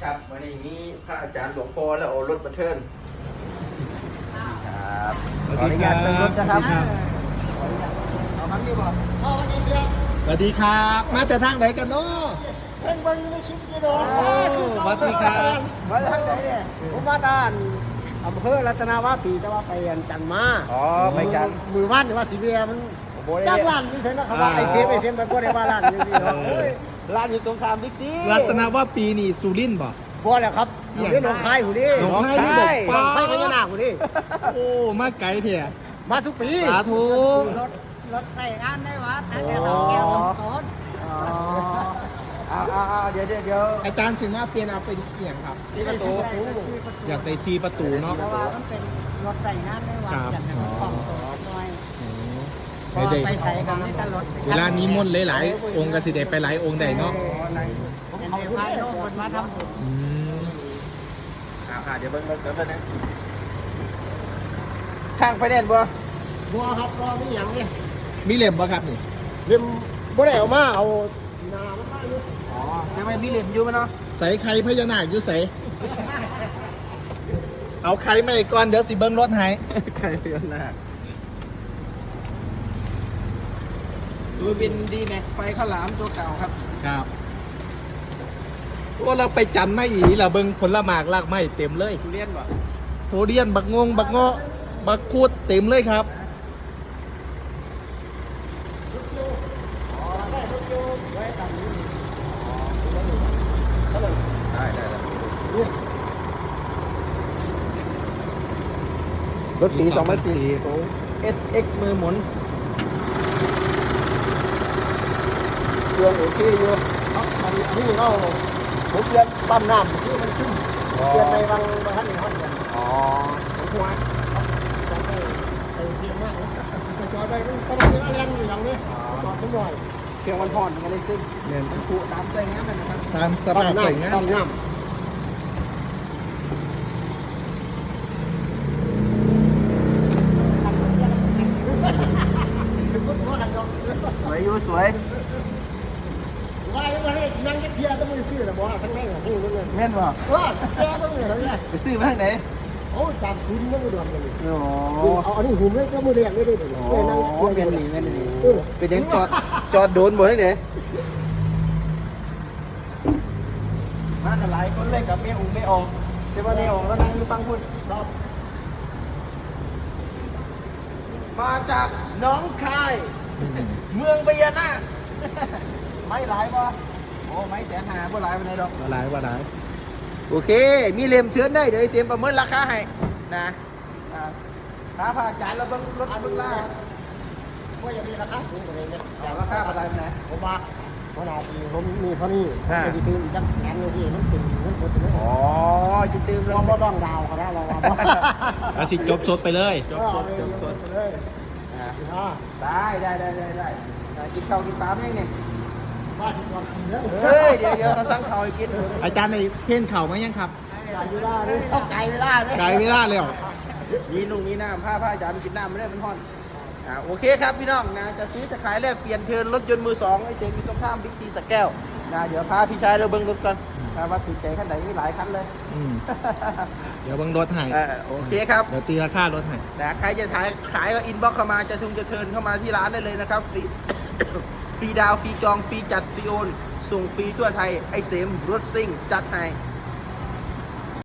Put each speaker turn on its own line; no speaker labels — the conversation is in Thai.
ครับวันนี้มีพระอาจารย์หลวงพ่อแล้วเอารถมาเทิร์นครับขออนุญาตเป็นรถนะครับเอาครั้งนี้บ่เอาครั้งนี้เสีย
สวัสดีครับมาแต่ทางไหนกันเนาะ
เพิ่งเบิ่งในคลิปนี่เนาะ
สวัสดีครับ
มาทางไหนเนี่ย
ผมมาด้านอำเภอรัตนาวาปีแต่ว่าไปจันทร์มา
อ๋อไปกัน
มือบ้านหรือว่าสีเบียมัน
โอ้ย
จ้างร้านนี่เฉยนะครับว่าไอเซฟไปก็ได้ว่าร้านนี่สิเนาะ
ร้านอยู่ตรงข้ามบิ๊กซี
รัตนว่าปีนี่สุรินทร์บ่
บ่แหละครับอยู่ที่หนองคายหูนี่
หนองคายนี่บอก
หนองคายพญานาคหูนี่
โอ้มาไกลเถอะ
มาสุปี
สาธุ
รถใส่งานได้วะถ้าแกต้องแก้วต้องต้น
เอาเดี๋ยว
อาจารย์สิมาเปลี่ยนเอาเป็นเกี่ยงครับ
ซีประตู
อยากได้ซีประตูเนาะ
เพราะว่ามันเป็นรถใส่งานได้วะ
ครับ
อยากให้มันคล่องตัวหน่อย
ไม่ได้
ไปใส่กันนี่ก็รถ
เวลานี้มนต์หลายๆองค์กสิเดไปหลายองค์ได้เนาะ
เป็นในพายโน้คนมาทำบุญ
อืม
เดี๋ยวเบิ่งนะข้างไฟแนนซ์บ่
บัวครับก็มีอย่างนี้
มีเหลี่ยมบ่ครับนี่
เรียมบ่ได้เอามาเอานามันมาอยู่
อ๋อแต่ไม่มีเหลี่ยมอยู่มั้ยเนาะ
ใส่ไข่พญานาคอยู่ใส่เอาไข่มาอีกก่อนเดี๋ยวสิเบิ้งรถให้
ใครเดือนหน้าดูเป็นดีแม็กไฟข้าวหลามตัวเก่าครับ
ครับว่าเราไปจันทร์ไม่อีเราเบิ้งผลหมากลากไม้เต็มเลย
ทุเรียนบ่
โทเรียนบักงงบักเงาะบักคูดเต็มเลยครับ
ได้รถปี 2004 SX มือหมุนเครื่องโอเคอยู่
อันนี้ก็ผมเปลี่ยนปั๊มน้ำที่มันซึมเปลี่ยนในบางท่านในห้องกัน
อ๋อผมหัว
ไอ้เทียมมากไปจอดไปมันต้องมีแรงอยู่อย่างนี้จอดทุกหน่อย
เครื่องมันผ่อนมันเลยซึ่ง
เนี่ย
มันผูตามใส่งานนะครับ
ตามสภาพใส่งาน
ต้องน้ำ
สวยอยู่สวย
ว่ายังไงนั่งจะเทียต้องมือซื้อแต่บอกทั้งนั้นหูมันเลย
แม่นบ่
ว่าแกต้องเลยเนี่ย
ไปซื้อมาทางไหน
โอ้จำซุ้มต้องมือดวงกันเลย
โอ้
เอาอันนี้หุ่มเลยก็มือเรียงได้ด้วย
โหเป็นหนีเป็นยังจอดโดนบ่ทางไหนมากันหลายคนเลยกับเมียองค์ไม่ออกแต่ว่าเนี่ยออกแล้วนั่งอยู่ฟังพูด
ครับ
มาจากหน้องคาย เมืองพญานาคไม่หลายป่ะโอ้ไม่150,000บ่หลายปานใดดอก
ว่าหลายว่าหลาย
โอเค มีเล่มเทือนได้เดี๋ยวไอ้เสียมประเมินราคาให้นะถ้าผ่าจ่ายเราต้องลดเพิ่งล่า
ว่าจะมีราคาสูงกว่านี้เนี่ย
แต่ราคาอะไรนะ
ผมว่าขนาดผมมีเท่านี้ผมจะตื่นอีกจักแสนเลยที่มันเป็นเงินสดเลย
อ๋อจุดตื่น
เราไม่ต้องดาวเขาได้เราว่า
เอาสิจบสดไปเลย
จบสดไปเลยอ่า
ได้กินข้าวกินปลาไม่ยังเนี่ย
ว่าสิก่อนกินเด้อ
เฮ้ยเดี๋ยวเขาสั่งข้าวให้กิน
อาจารย์ในเพ่นเข่ามายังครับ
ไก่เวลาเลยต้องไก่เวลาเลย
ไกลไม่ได้เลยเหรอ
มีน้ำผ้าอาจารย์กินน้ำไม่ได้เป็นห้อนโอเคครับพี่น้องนะจะซื้อจะขายแลกเปลี่ยนเทิร์นรถยนต์มือสองไอเซนมีตรงข้ามบิ๊กซีสแก้วนะเดี๋ยวพาพี่ชายเราเบิ้งรถก่อนว่าถูกใจขั้นไหนมีหลายคันเลย
อืมเดี๋ยวเบังรถให้
โอเคครับ
เดี๋ยวตีราคารถให้
นะใครจะขายก็อินบ็อกเข้ามาจะเทิร์นเข้ามาที่ร้านได้เลยนะครับฟรี ฟรีดาวฟรีจองฟรีจัดฟรีโอนส่งฟรีทั่วไทยไอเซมรถซิ่งจัดให้